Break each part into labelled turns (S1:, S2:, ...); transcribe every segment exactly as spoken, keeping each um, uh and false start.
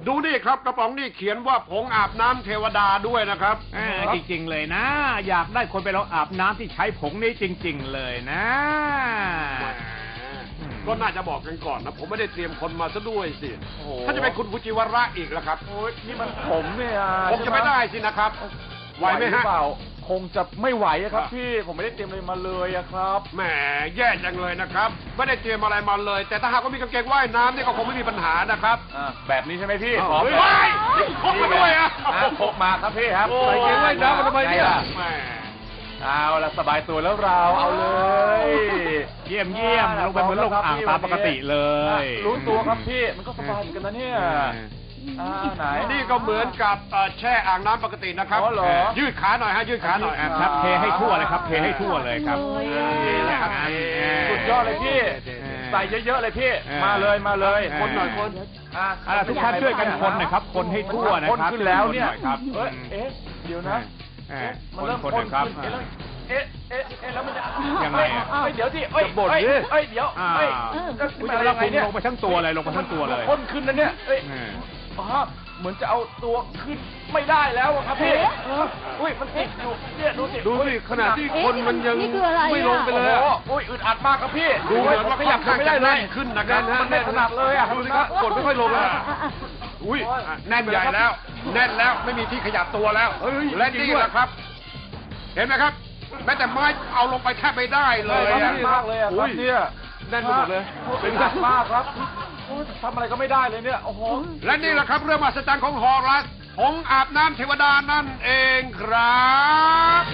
S1: ดูนี่ครับกระป๋องนี่เขียนว่าผงอาบน้ำเทวดาด้วยนะครับ
S2: จริงๆเลยนะอยากได้คนไปลองอาบน้ำที่ใช้ผงนี้จริงๆเลยนะ
S1: ก็น่าจะบอกกันก่อนนะผมไม่ได้เตรียมคนมาซะด้วยสิถ้าจะเป็นคุณฟูจิวาระอีกแล้วครับ
S3: โอ้ยนี่มันผมเนี่ย
S1: คงจะไม่ได้สินะครับไหวไหมฮะ
S3: คงจะไม่ไหวครับพี่ผมไม่ได้เตรียมอะไรมาเลยครับ
S1: แหมแย่จังเลยนะครับไม่ได้เตรียมอะไรมาเลยแต่ถ้าหากว่ามีกางเกงว่ายน้ำนี่ก็คงไม่มีปัญหานะครับ
S3: แบบนี้ใช่ไหมพี่
S1: ขอไปพกมาด้วยอ่ะ
S3: พกมาครับพี่ครับ
S1: ใส่กางเกงว่ายน้ำมาทำไมเนี่ย
S3: เอาละสบายตัวแล้วเราเอาเลย
S2: เยี่ยมเยี่ยมลงไปเหมือนลงอ่างตามปกติเลย
S3: รู้ตัวครับพี่มันก็สบายเหมือนกันนะเนี่ยไหน
S1: นี่ก็เหมือนกับแช่อ่างน้ำปกตินะครับยืดขาหน่อยฮะยืดขาหน่อย
S2: ครับเทให้ทั่วเลยครับเทให้ทั่วเลยครับ
S3: สุดยอดเลยพี่ใส่เยอะๆเลยพี่มาเลยมาเลยคนหน่อยคน
S2: ทุกท่านช่วยกันคนนะครับคนให้ทั่วนะครับ
S3: คนขึ้นแล้วเนี่ยเอ๊ะเดี๋ยวนะ
S2: มันเริ่มคนครับ
S3: เอ๊ะเอ๊ะเอ๊ะแล้วมันจะ
S2: ยังไงอ่ะ
S3: เดี๋ยวสิเอ้ยบ่นดิเอ้ยเดี๋ยวเอ้ย
S2: คุณจะรับลงไปทั้งตัวเลยลงไปทั้งตัวเลย
S3: คนขึ้นนะเนี่ยเอ้ยอ๋อเหมือนจะเอาตัวขึ้นไม่ได้แล้วครับพี่อุ้ยมันติดอยู่เนี่ยดูสิ
S1: ดูสิขนาดที่คนมันยังไม่ลงไปเลย
S3: อุ้ยอึดอัดมากครับพี่
S1: ดูเหมือนว่าขยับไม่ได้เลยขึ้นนะครับ
S3: มันไม่ถนัดเลยอ่ะ
S1: ดูสิครับกดไม่ค่อยลงเลยอุ้ยแน่นใหญ่แล้วแน่นแล้วไม่มีที่ขยับตัวแล้วและนี่แหละครับเห็นไหมครับแม้แต่ไม้เอาลงไปแทบไม่ได้เลย
S3: มากเลยอ่ะครับเนี่ย
S1: แน่นหมดเลย
S3: เป็นหนักมากครับทำอะไรก็ไม่ได้เลยเนี่ยโอ้โห
S1: และนี่แหละครับเรื่องมหัศจรรย์ของฮอรัสผงอาบน้ำเทวดานั่นเองครับ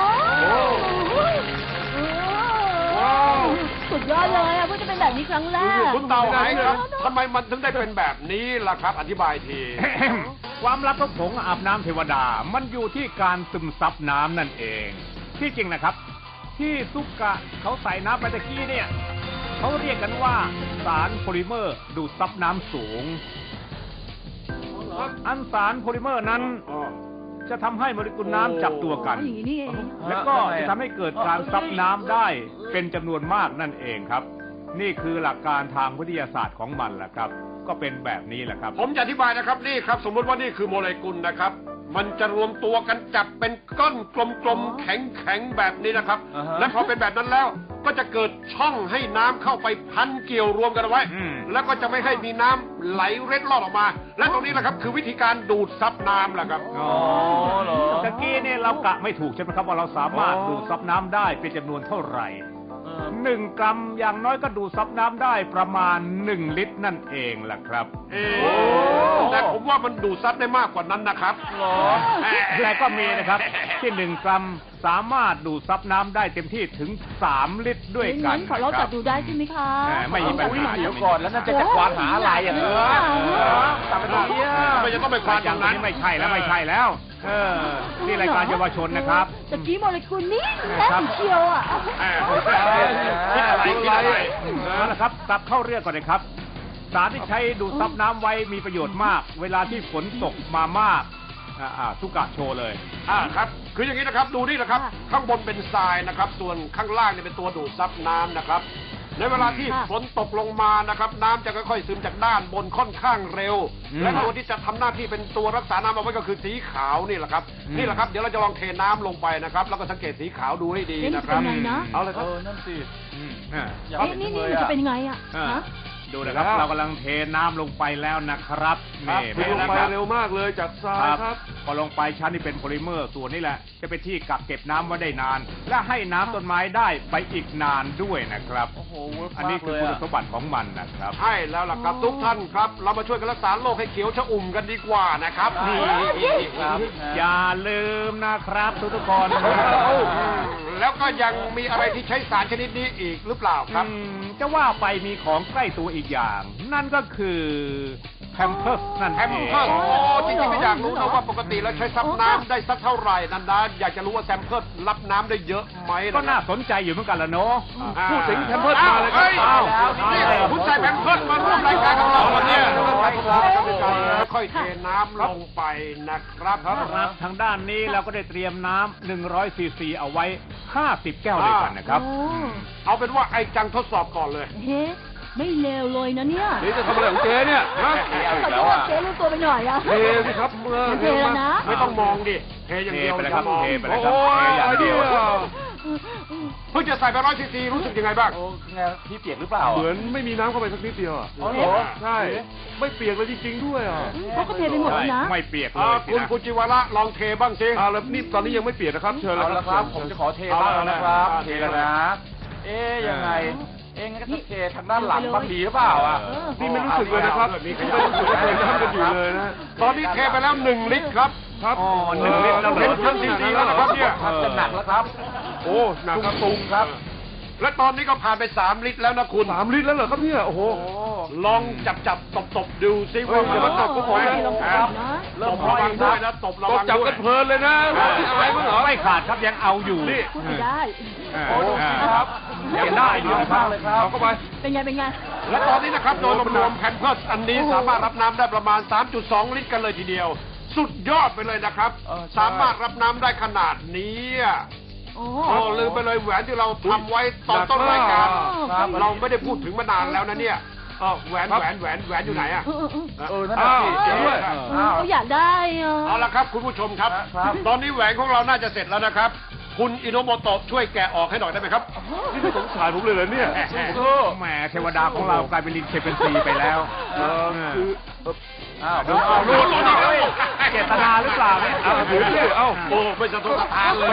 S4: สุดยอดเลยอ่ะเพิ่งจะเป็นแบบนี้ครั้งแรก
S1: คุณเต่าไหนครับทำไมมันถึงได้เป็นแบบนี้ล่ะครับอธิบายที
S2: ความลับของผงอาบน้ำเทวดามันอยู่ที่การซึมซับน้ำนั่นเองที่จริงนะครับที่ซุกะเขาใส่น้ำไปตะกี้เนี่ยเขาเรียกกันว่าสารโพลิเมอร์ดูดซับน้ำสูงอันสารโพลิเมอร์นั้นจะทำให้โมเลกุลน้ำจับตัวกันและก็จะทำให้เกิดการซับน้ำได้เป็นจำนวนมากนั่นเองครับนี่คือหลักการทางวิทยาศาสตร์ของมันแหละครับก็เป็นแบบนี้แหละครับ
S1: ผมจะอธิบายนะครับนี่ครับสมมติว่านี่คือโมเลกุลนะครับมันจะรวมตัวกันจับเป็นก้อนกลมๆแข็งๆแบบนี้นะครับและพอเป็นแบบนั้นแล้วก็จะเกิดช่องให้น้ำเข้าไปพันเกี่ยวรวมกันเอาไว้แล้วก็จะไม่ให้มีน้ำไหลเร็ดลอดออกมาและตรงนี้แหละครับคือวิธีการดูดซับน้ำแหละครับ
S2: อ๋อเหรอตะกี้เนี่ยเรากะไม่ถูกใช่ไหมครับว่าเราสามารถดูดซับน้ำได้เป็นจำนวนเท่าไหร่หนึ่งกรัมอย่างน้อยก็ดูดซับน้ำได้ประมาณหนึ่งลิตรนั่นเองแหละครับ
S1: แต่ผมว่ามันดูดซับได้มากกว่านั้นนะครับ
S2: แต่ก็มีนะครับที่หนึ่งกรัมสามารถดูดซับน้ำได้เต็มที่ถึงสามลิตรด้วยกัน
S4: ขอเราจับดูได้ใช่ไหมคะ
S2: ไม่มีปัญหา
S3: เดี๋ยวก่อนแล้วน่าจะจะควานหาอะไรอย่างเงี้ย
S1: จับไปตรงนี้ไม่จะต้องไปควานอย่างนั้น
S2: ไม่ใช่แล้วไม่ใช่แล้วเออนี่รายการเยาวชนนะครับ
S4: ตะกี้โมเลกุลนี่แน่นเชียวอ่ะ
S1: คิดอะไรคิดอะไร
S2: นั่นแหละครับกลับเข้าเรื่องก่อนเลยครับสารที่ใช้ดูดซับน้ำไว้มีประโยชน์มากเวลาที่ฝนตกมามากอ่าสุกะโชว์เลย
S1: อ่าครับคืออย่างนี้นะครับดูนี่นะครับข้างบนเป็นทรายนะครับส่วนข้างล่างเนี่ยเป็นตัวดูดซับน้ำนะครับในเวลาที่ฝนตกลงมานะครับน้ำจะค่อยๆซึมจากด้านบนค่อนข้างเร็วและตัวที่จะทำหน้าที่เป็นตัวรักษาน้ำเอาไว้ก็คือสีขาวนี่แหละครับนี่แหละครับเดี๋ยวเราจะลองเทน้ำลงไปนะครับแล้วก็สังเกตสีขาวดูให้ดีนะครับ
S4: เอา
S1: เลยครับ
S3: เออนั่นสิ
S4: นี่นี่จะเป็นไงอ่ะ
S2: ดูนะครับเรากำลังเทน้ำลงไปแล้วนะครับ
S1: นี่ลงไปเร็วมากเลยจากทรายครับ
S2: พอลงไปชั้นนี้เป็นโพลิเมอร์ส่วนนี้แหละจะเป็นที่กักเก็บน้ำไว้ได้นานและให้น้ำต้นไม้ได้ไปอีกนานด้วยนะครับ
S3: โอ้โห
S2: อันนี้คือคุณสมบัติของมันนะครับ
S1: ใช่แล้วล่ะครับทุกท่านครับเรามาช่วยกันรักษาโลกให้เขียวชอุ่มกันดีกว่านะครับ
S2: นี่ครับอย่าลืมนะครับทุกๆคน
S1: แล้วก็ยังมีอะไรที่ใช้สารชนิดนี้อีกหรือเปล่าครับ
S2: จะว่าไปมีของใกล้ตัวอีกอย่างนั่นก็คือแพมเพิร์สนั่น
S1: แพมเพิร์สโอ้จริงๆก็อยากรู้นะว่าปกติแล้วใช้ซับน้ำได้สักเท่าไหร่นั่นนะอยากจะรู้ว่าแพมเพิร์สรับน้ำได้เยอะไหม
S2: ก็น่าสนใจอยู่เหมือนกันละเนาะ
S1: พูดถึงแพมเพิร์สมาเลยครับนี่คุณใส่แพมเพิร์สมาร่วมรายการของเราเนี่ยค่อยเทน้ำลงไปนะครับ
S2: ครับทางด้านนี้เราก็ได้เตรียมน้ำหนึ่งร้อยซีซีเอาไว้ห้าสิบแก้วด้วยกันนะครับ
S1: เอาเป็นว่าไอ้จังทดสอบก่อนเลย
S4: ไม่เลวเลยนะเนี่ย
S1: นี่จะทำอะไรของเจ๊เนี่ยฮะ
S4: ขอโทษเจ๊รู้ตัวไปหน่อยอะ
S1: เทสิครับเมื่อ
S4: เทแล้วนะ
S1: ไม่ต้องมองดิเทอย่างเดียว
S2: เทไปเลยครับ
S1: อย่ามอง
S2: เทไปเลยครับ
S1: โอ้
S2: เทอย่างเดียว
S1: เพิ่งจะใส่ไปร้อยซีซีรู้สึกยังไงบ้าง
S3: โอ้ไงพี่เปียกหรือเปล่า
S5: เหมือนไม่มีน้ำเข้าไปสักนิดเดียวอ่ะ
S3: อ๋อเหรอ
S5: ใช่ ไม่เปียกเลยจริงๆด้วยอ่ะ
S4: เขาก็เทไปหมดแล้วนะ
S2: ไม่เปียกเล
S1: อ่าย
S2: สิ
S1: คุณ
S2: นะ
S1: คุณจิวาระลองเทบ้างสิ
S5: อ่าแล้วนี่ตอนนี้ยังไม่เปียกนะครับ เชิญ
S3: เอา
S5: แล้ว
S3: ละครับ ผมจะขอเทบ้างแล้วนะครับ เทแล้วนะ เอ๊ยยังไง เอ๊ะงั้นก็ต้องเททางด้านหลังบ้างดีหรือเปล่าอ่ะ
S4: เออ
S5: นี่ไม่รู้สึกเลยนะครับไม่รู้สึกว่าเคยน้ำกันอยู่เลยนะ
S1: ตอนนี้เทไปแล้วหนึ่งลิตรครับ
S5: ครับ
S2: อ๋อหนึ่งลิตรแล้วเหร
S1: เป็น
S2: อ
S1: เครื่องซีซีแล้วนะครับเนี่ย
S3: ครับจะหนักแล้วครับ
S5: โอ้หนักครับ
S3: ตุงครับ
S1: และตอนนี้ก็ผ่านไปสามลิตรแล้วนะคุณ
S5: สามลิตรแล้วเหรอครับเนี่ยโอ้โห
S3: โอ้
S1: ลองจับจับตบตบดูซิ
S5: เฮ้
S1: ว่าย
S5: อย่ามาตบพวกผมนะ
S4: ลอง
S1: ค
S4: จั
S1: รั
S4: บบ นะ
S3: เริ่
S1: ต
S3: ม
S1: บระวังด้วยนะตบระ
S5: ต้อ
S1: วั
S5: ง
S1: ง
S5: จับ
S1: ด้ว
S5: กั
S1: ย
S5: นเพลินเลยนะไม่อายมั้งเหรอ
S2: ไม่ขาดครับยังเอาอยู่
S5: นี่
S4: พูดไม่ได้
S2: อ่า
S3: โอ้ดูสิครับ
S2: ยังได้อยู่
S3: มากเลยครับ
S5: เอาเข้าไป
S4: เป็นไงเป็นไง
S1: และตอนนี้นะครับโดยรวมๆแผ่นเพิร์สอันนี้สามารถรับน้ำได้ประมาณ สามจุดสอง ลิตรกันเลยทีเดียว สุดยอดไปเลยนะครับ
S3: เออใช่
S1: สามารถรับน้ำได้ขนาดนี้อ่ะ
S4: โอ้
S1: โอ้ลืมไปเลยแหวนที่เราทำไว้ตอนต้นรายการ
S3: ครับ
S1: เราไม่ได้พูดถึงมานานแล้วนะเนี่ยเออแหวนแหวนแหวนแหวนอยู่ไหนอ่ะ
S4: เออเออเออ
S3: เออนั่นแหละพี่
S1: อ้าว
S3: เจ๊ด้วย
S4: เอ
S3: อ้า
S4: อ
S3: ว
S4: เขาอยากได้อ่ะ
S1: เอาละครับคุณผู้ชมครับ
S3: ครับ
S1: ตอนนี้แหวนของเราน่าจะเสร็จแล้วนะครับ คุณอิโนโมโตะช่วยแกะออกให้หน่อยได้ไหมครับ
S5: นี่ไม่สงสารผมเลยเหรอเนี่ย
S2: แหมเทวดาของเรากลายเป็นลิงเชมเปนซีไปแล้ว
S5: เออคือเอ่อ
S3: อ้าว
S2: ดูเอาลูกเอาเจตนาหรือเปล่าเนี่ย
S5: เอาถือสิเอ้า
S1: โอ้ไม่สะทกสะท้านเลย